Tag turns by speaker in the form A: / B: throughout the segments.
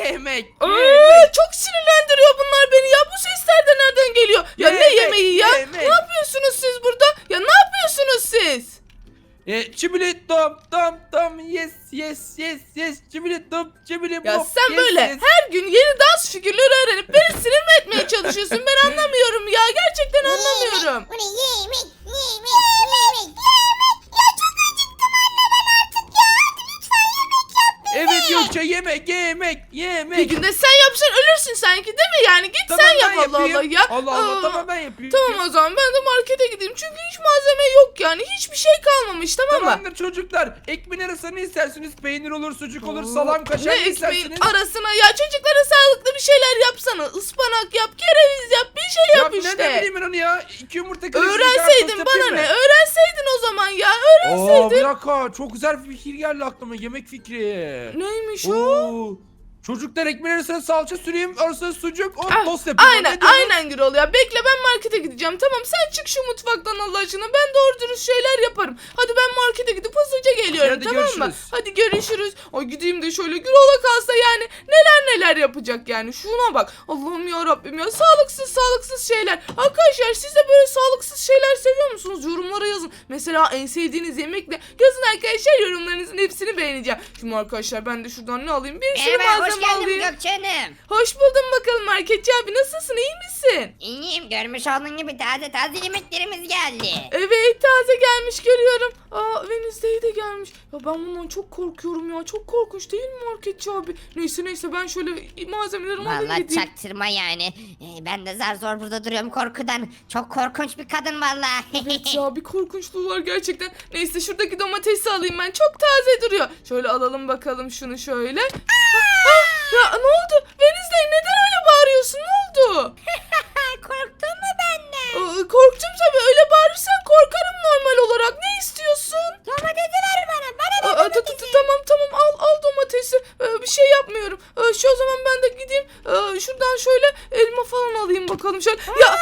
A: yemek.
B: Çok sinirlendiriyor bunlar beni ya. Bu sesler de nereden geliyor? Ya ne yemeği ya? Ne yapıyorsunuz siz burada? Ya ne yapıyorsunuz siz?
A: Çibili tom yes çibili tom çibili
B: Ya
A: bop,
B: sen
A: yes,
B: böyle
A: yes.
B: her gün yeni dans figürleri öğrenip beni sinir mi etmeye çalışıyorsun? Ben anlamıyorum ya. Gerçekten anlamıyorum.
C: Bu ne yemek. Ya çok acıktım anne ben artık ya. Hadi lütfen yemek yap bize.
A: Evet Gökçe yemek.
B: Bir günde sen yapsan ölürsün sanki değil mi? Yani git
A: Tamam,
B: sen yap
A: ben
B: Allah
A: yapayım.
B: Allah ya.
A: Allah tamam ben yapayım.
B: Tamam o zaman ben de markete gideyim. Çünkü hiç malzeme yok yani. Hiçbir şey kalmamış tamam mı?
A: Tamamdır çocuklar. Ekmeğin arasına ne istersiniz? Peynir olur, sucuk olur, salam, kaşar ne
B: ekmeğin
A: istersiniz?
B: arasına ya çocuklara sağlıklı bir şeyler yapsana. Ispanak yap, kereviz yap, bir şey yap
A: Ne
B: işte.
A: bileyim ben onu ya. 2 yumurta kırıp
B: Öğrenseydin bana ne? Öğrenseydin o zaman ya.
A: Bir
B: Öğrenseydin.
A: dakika çok güzel bir fikir geldi aklıma. Yemek fikri.
B: Neymiş o?
A: Oo. Çocuklar ekmeğin arasına salça süreyim, arasına sucuk, tost yapayım.
B: Aynen Gürol ya. Bekle ben markete gideceğim. Tamam sen çık şu mutfaktan Allah aşkına. Ben doğru dürüst şeyler yaparım. Hadi ben markete gidip hızlıca geliyorum
A: Hadi
B: tamam mı?
A: görüşürüz.
B: Hadi görüşürüz. Ay gideyim de şöyle Gürol'a kalsa yani neler yapacak yani. Şuna bak. Allah'ım ya Rabbim ya. Sağlıksız şeyler. Arkadaşlar siz de böyle sağlıksız şeyler seviyor musunuz? Yorumlara yazın. Mesela en sevdiğiniz yemek ne? Yazın arkadaşlar yorumlarınızın hepsini beğeneceğim. Şimdi arkadaşlar ben de şuradan ne alayım? Bir sürü
C: Merhaba hoş
B: malzeme
C: geldin
B: alayım.
C: Gökçe Hanım.
B: Hoş buldum bakalım marketçi abi. Nasılsın? İyi misin?
C: İyiyim görmüş olduğun gibi taze yemeklerimiz geldi.
B: Evet taze gelmiş görüyorum. Wednesday de gelmiş. Ya ben bundan çok korkuyorum ya. Çok korkunç değil mi marketçi abi? Neyse ben şöyle malzemelerimi alayım
C: Vallahi
B: gideyim.
C: çaktırma yani. Ben de zar zor burada duruyorum korkudan. Çok korkunç bir kadın vallahi.
B: Evet ya bir korkunçluğu var gerçekten. Neyse şuradaki domatesi alayım ben. Çok taze duruyor. Şöyle alalım bakalım şunu şöyle. Ya ne oldu? Wednesday neden öyle bağırıyorsun? Ne oldu?
C: Korktun mu benden?
B: Korktum tabii. Öyle bağırırsan korkarım normal olarak. Ne istiyorsun?
C: Domatesi ver bana. Bana ver domatesi.
B: Tamam al domatesi. Bir şey yapmıyorum. O zaman ben de gideyim. Şuradan şöyle elma falan alayım bakalım şöyle. Ya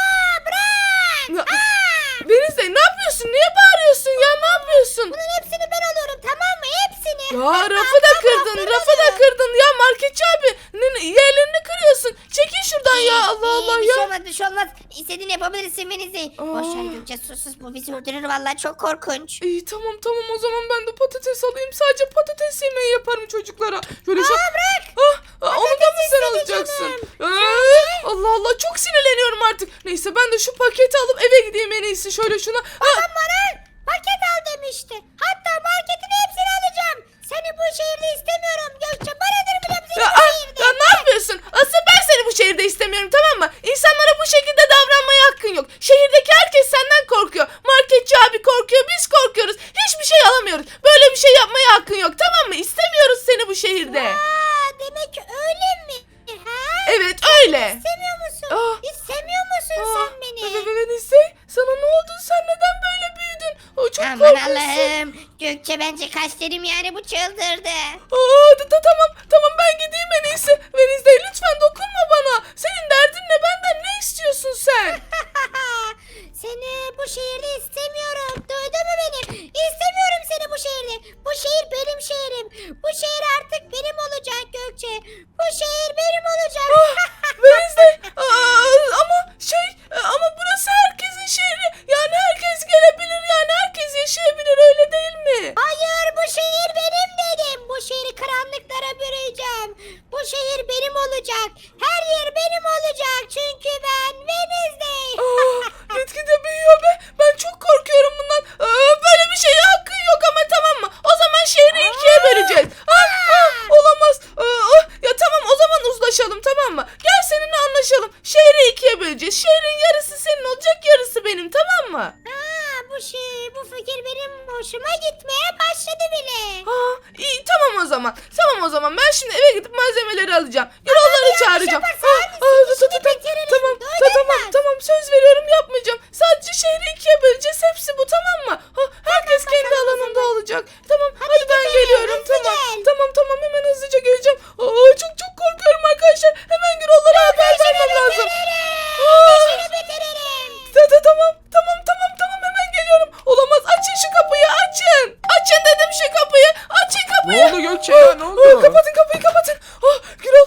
C: Bırak.
B: Wednesday ne yapıyorsun? Niye bağırıyorsun ya? Ne yapıyorsun?
C: Bunun hepsini ben alıyorum tamam mı? Hepsini.
B: Ya rafı da kırdın ya marketçi abi. Yerlerini kırıyorsun. Çekil şuradan ya Allah
C: Bir
B: ya.
C: şey olmaz. İstediğini yapabilirsin Veniz'i. Boş ver Gökçe sus bu bizi öldürür vallahi çok korkunç.
B: İyi tamam o zaman ben de patates alayım. Sadece patates yemeği yaparım çocuklara. Şöyle
C: Bırak.
B: Onu da mı sen
C: istedi
B: alacaksın?
C: canım.
B: Allah çok sinirleniyorum artık. Neyse ben de şu paketi alıp eve gideyim en iyisi. Şöyle şuna.
C: Paket al demişti. Hatta marketin hepsini alacağım. Seni bu şehirde istemiyorum Gökçe. Banadır bile seni bu şehirde.
B: Ya ne yapıyorsun? Asıl ben seni bu şehirde istemiyorum tamam mı? İnsanlara bu şekilde davranmaya hakkın yok. Şehirdeki herkes senden korkuyor. Marketçi abi korkuyor, biz korkuyoruz. Hiçbir şey alamıyoruz. Böyle bir şey yapmaya hakkın yok tamam mı? İstemiyoruz seni bu şehirde.
C: Demek öyle mi? Ha?
B: Evet öyle.
C: İstemiyor musun?
B: Aa.
C: İstemiyor musun sen beni?
B: Evet sana ne oldu? Sen neden böyle büyüdün? Çok
C: Aman
B: korkunçsun.
C: Allah'ım. Gökçe bence kaç derim yani bu çıldırdı.
B: Tamam ben gideyim en iyisi. Wednesday lütfen dokunma bana. Senin derdin ne? Benden ne istiyorsun sen?
C: Seni bu şehirde istemiyorum. Duydun mu beni? İstemiyorum seni bu şehirde. Bu şehir benim şehrim. Bu şehir artık benim olacak Gökçe. Bu şehir benim olacak.
B: Wednesday ama burası herkesin şehri. Yani herkes gelebilir yani herkes yaşayabilir öyle değil mi?
C: Hayır bu şehir benim dedim. Bu şehri karanlıklara bürüyeceğim. Bu şehir benim olacak. Her yer benim olacak. Çünkü ben Wednesday.
B: Gitgide büyüyor be. Ben çok korkuyorum bundan. Böyle bir şeye hakkın yok ama tamam mı? O zaman şehri ikiye böleceğiz. Olamaz. Ya tamam o zaman uzlaşalım tamam mı? Gel seninle anlaşalım. Şehri ikiye böleceğiz. Şehrin yarısı senin olacak yarısı benim tamam mı?
C: Bu fikir benim hoşuma gitmeye başladı bile.
B: İyi tamam o zaman ben şimdi eve gidip malzemeleri alacağım. Yolları çağıracağım. Tamam söz veriyorum yapmayacağım. Sadece şehri ikiye böleceğiz hepsi bu tamam mı? Herkes kendi alanında olacak. Tamam hadi ben geliyorum tamam hemen hızlıca geleceğim. Çok korkuyorum arkadaşlar. Hemen Gürollara haber vermem lazım. Tamam hemen geliyorum. Olamaz açın şu kapıyı açın. Açın dedim şu kapıyı. Açın kapıyı.
A: Ne oldu Gökçe ya ne oldu?
B: Kapatın kapıyı. Gürol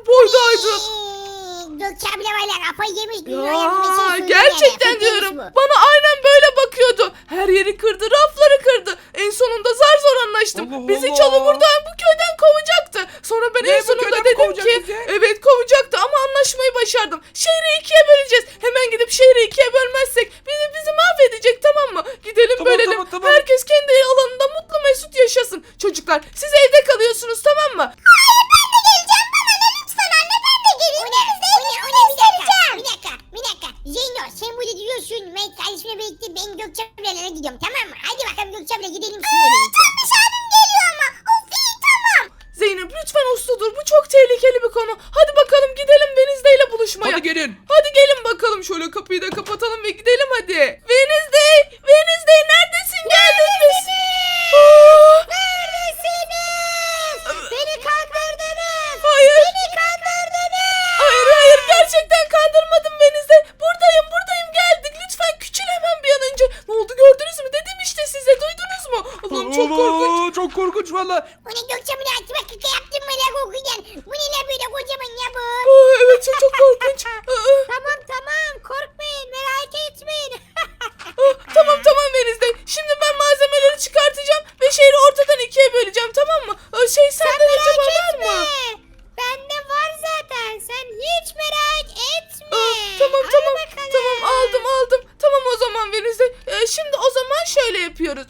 B: boydaydı.
C: Gökçe abla valla kafayı yemiş.
B: Ya gerçekten diyorum. Bana aynen böyle bakıyordu. Her yeri kırdı, rafları kırdı. En sonunda zar zor anlaştım.
A: Allah
B: Bizi
A: Allah.
B: çalı buradan bu köyden kovacaktı. Sonra ben
A: Ne,
B: en
A: bu
B: sonunda
A: köyden mi
B: dedim
A: kovacak
B: ki
A: bizi?
B: evet kovacaktı ama anlaşmayı başardım. Şehri ikiye böleceğiz. Hemen gidip şehri ikiye bölmezsek bizi mahvedecek, tamam mı? Gidelim
A: Tamam,
B: bölelim.
A: tamam.
B: Herkes kendi alanında mutlu mesut yaşasın. Çocuklar siz evde kalıyorsunuz, tamam mı?
C: Bir dakika. Zeyno sen burada diyorsun. Ben kardeşimle birlikte ben Gökçe ablalara gidiyorum, tamam mı? Hadi bakalım Gökçe abla gidelim sizinle birlikte. Tombiş abim geliyor ama. Of iyi tamam.
B: Zeynep lütfen uslu dur. Bu çok tehlikeli bir konu. Hadi bakalım gidelim Venizde ile buluşmaya.
A: Hadi gelin.
B: Hadi gelin bakalım. Şöyle kapıyı da kapatalım ve gidelim hadi. Wednesday! Wednesday neredesin? Geldin mi?
C: Neredesiniz? Beni kandırdınız.
B: Hayır.
C: Beni kandırdınız.
B: Hayır gerçekten kandırmadım Wednesday. Buradayım geldik. Lütfen küçül hemen bir an önce. Ne oldu gördünüz mü? Dedim işte size, duydunuz mu? Allah'ım çok korkunç.
A: Oo, çok korkunç valla.
C: Bu ne Gökçe abla açma kaka yaptın mı la kokuyan? Bu ne la böyle kocaman ya bu?
B: Evet çok korkunç.
C: Tamam korkmayın, merak etmeyin.
B: Tamam Wednesday. Şimdi ben malzemeleri çıkartacağım ve şehri ortadan ikiye böleceğim, tamam mı? Sende acaba var mı?
C: Bende var zaten, sen hiç merak etme.
B: Tamam
C: Hadi bakalım.
B: tamam aldım. Tamam o zaman Venizde. Şimdi o zaman şöyle yapıyoruz.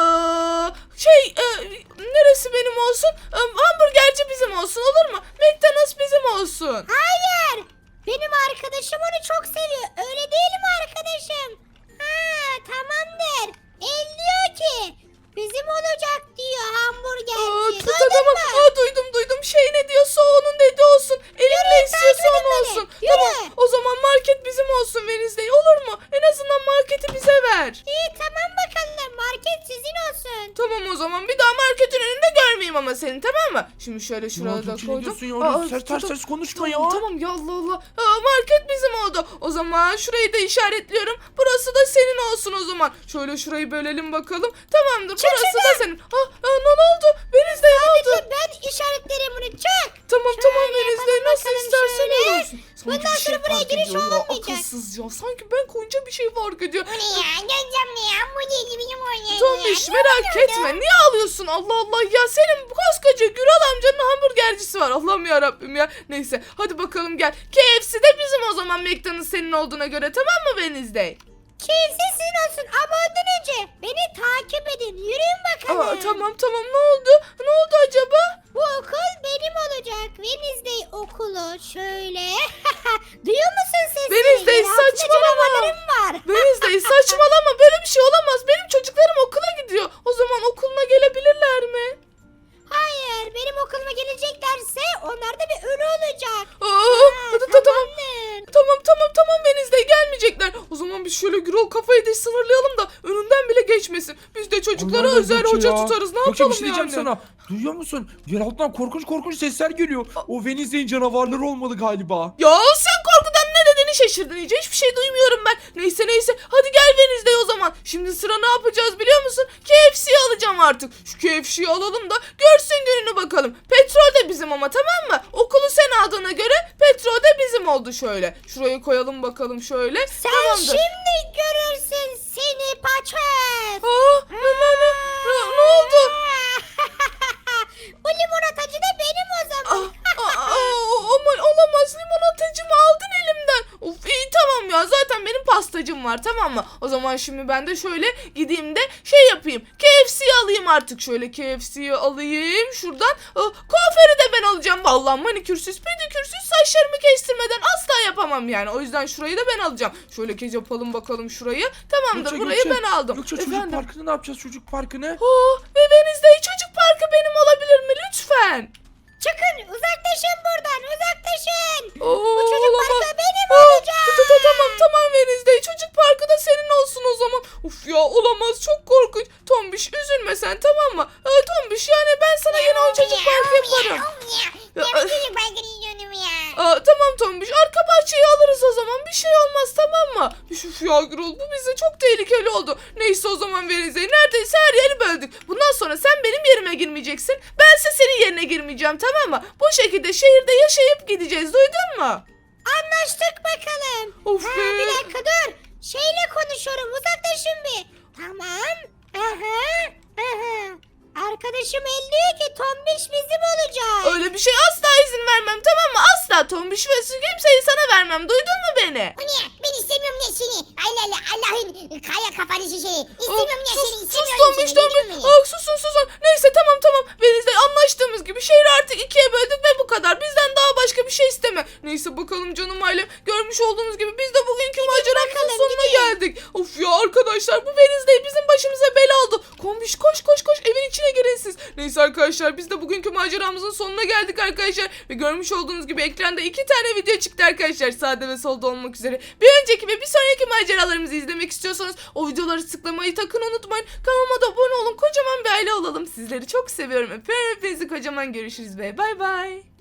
B: Neresi benim olsun? Hamburgerci bizim olsun, olur mu? McDonald's bizim olsun.
C: Hayır, benim arkadaşım onu çok seviyor, öyle değil mi arkadaşım? Tamamdır. El diyor ki bizim olacak diyor hamburgerci.
B: Tamam. Duydum. Ne diyorsa onun dediği olsun. Elim ne istiyorsa
C: takip et
B: onu
C: beni.
B: olsun.
C: Yürü.
B: Tamam. O zaman market bizim olsun Venizde. Olur mu? En azından marketi bize ver.
C: İyi tamam bakalım, market sizin olsun.
B: Tamam o zaman bir daha marketin önünde görmeyeyim ama seni, tamam mı? Şimdi şöyle şuraya da
A: Gökçe, ne
B: koydum.
A: diyorsun ya? Öyle
B: tamam.
A: ters konuşma ya.
B: Tamam ya Allah. Market bizim oldu. O zaman şurayı da işaretliyorum. Burası da senin olsun o zaman. Şöyle şurayı bölelim bakalım. Tamamdır. Burası da senin. Ne oldu? Venizde ne oldu?
C: Sadece ben işaretlerim bunu, çık.
B: Tamam
C: Şöyle
B: Venizde
C: yapalım
B: nasıl
C: bakalım
B: istersen
C: şöyle.
B: öyle olsun. Sanki
C: Bundan
B: bir şey
C: sonra buraya
B: fark
C: giriş
B: ediyor ya.
C: olmayacak.
B: Akılsız ya. Sanki ben koyunca bir şey fark ediyor.
C: Bu ne ya? Gözüm ne ya? Bu ne gibi bir oyun
B: Tombiş merak etme. Niye ağlıyorsun? Allah Allah ya, senin koskoca Güral amcanın hamburgercisi var. Allah'ım ya Rabbim ya. Neyse hadi bakalım gel. KFC de bizim o zaman, McDonald's senin olduğuna göre, tamam mı Wednesday?
C: Kimse sizin olsun ama ondan önce beni takip edin. Yürüyün bakalım.
B: Tamam ne oldu? Ne oldu acaba?
C: Bu okul benim olacak. Wednesday okulu şöyle. Duyuyor musun sesini?
B: Wednesday,
C: Yer altında
B: saçmalama.
C: canavarlarım var.
B: Wednesday saçmalama, böyle bir şey olamaz. Benim çocuklarım okula gidiyor. O zaman okuluna gelebilirler mi?
C: Hayır, benim okuluma geleceklerse onlar da bir ölü olacak.
B: Tamam Venizde gelmeyecekler. O zaman biz şöyle Gürol kafayı da sınırlayalım da önünden bile geçmesin. Biz de çocuklara
A: Allah'ım
B: özel
A: Gökçe
B: hoca
A: ya.
B: tutarız. Ne
A: Gökçe, bir
B: yapalım
A: şey diyeceğim
B: yani?
A: sana. Duyuyor musun? Yer altından korkunç sesler geliyor. O Venizde'in canavarları olmalı galiba.
B: Ya sen korkudan ne dediğini şaşırdın iyice. Hiçbir şey duymuyorum ben. Neyse. Hadi gel Venizde o zaman. Şimdi sıra ne yapacağız biliyor musun? KFC'yi alacağım artık. Şu KFC'yi alalım da görsün gününü bakalım. Petrol de bizim ama, tamam mı? Okulu sen aldığına göre petrol de bizim oldu şöyle. Şurayı koyalım bakalım şöyle.
C: Sen
B: Tamamdır.
C: şimdi görürsün seni paçöz.
B: Ne oldu?
C: Bu limonatacı da benim o zaman.
B: Aman olamaz, limonatacımı aldın elimden. Of iyi tamam ya, zaten benim pastacım var, tamam mı? O zaman şimdi ben de şöyle gideyim de şey yapayım. KFC'yi alayım artık, şöyle KFC'yi alayım şuradan. Kuaförü de ben alacağım. Vallahi manikürsüz pedikürsüz saçlarımı kestirmeden asla yapamam yani. O yüzden şurayı da ben alacağım. Şöyle kez yapalım bakalım şurayı. Tamamdır, burayı ben aldım.
A: Gökçe, çocuk parkını ne yapacağız, çocuk parkını?
B: Ve Venizde çocuk parkı benim olabilir mi lütfen?
C: Çıkın, uzaklaşın buradan, uzaklaşın.
B: Bu
C: Bu çocuk parkı benim olacak.
B: Tamam Venizde. Çocuk parkı da senin olsun o zaman. Uf ya, olamaz, çok korkunç. Tombiş üzülme sen, tamam mı? Tombiş yani ben sana yine o çocuk parkı yaparım.
C: Ya ben çocuk parkını yiyorum ya.
B: Tamam Tombiş, arka bahçeyi alırız o zaman, bir şey olmaz, tamam mı? Üf ya Gürol, bu bize çok tehlikeli oldu. Neyse o zaman Venizey, neredeyse her yeri böldük. Bundan sonra sen benim yerime girmeyeceksin, bense senin yerine girmeyeceğim, tamam mı? Bu şekilde şehirde yaşayıp gideceğiz, duydun mu?
C: Anlaştık bakalım.
B: Of
C: Ha,
B: be.
C: bir dakika dur. Şeyle konuşuyorum. Uzaklaşın bir. Tamam. Aha. Aha. Arkadaşım diyor ki Tombiş bizim olacak.
B: Öyle bir şey asla izin vermem, tamam mı? Asla Tombiş ve kimseyi sana vermem, duydun mu beni?
C: O ne? Ben istemiyorum ya seni. Allah Allah Allah'ın kaya kafanı şeyi. İstemiyorum ya seni.
B: Sus
C: İstemiyorum
B: Tombiş,
C: seni.
B: Tombiş.
C: Duydun mu beni?
B: Susun. Neyse tamam. Venizde anlaştığımız gibi şehri artık ikiye böldük ve bu kadar. Bizden daha başka bir şey isteme. Neyse bakalım canım ailem. Görmüş olduğunuz gibi biz de bugünkü maceramızın
C: bakalım,
B: sonuna
C: gidin.
B: geldik. Of ya arkadaşlar, bu Venizde bizim başımıza bela oldu. Kombiş koş evin içine girin siz. Neyse arkadaşlar, biz de bugünkü maceramızın sonuna geldik arkadaşlar. Ve görmüş olduğunuz gibi ekranda 2 tane video çıktı arkadaşlar. Sağda ve solda olmak üzere. Bir önceki ve bir sonraki maceralarımızı izlemek istiyorsanız o videoları tıklamayı sakın unutmayın. Kanalıma da abone olun. Kocaman bir aile olalım. Sizleri çok seviyorum. Öpüyorum hepinizi kocaman. Görüşürüz ve bay bay.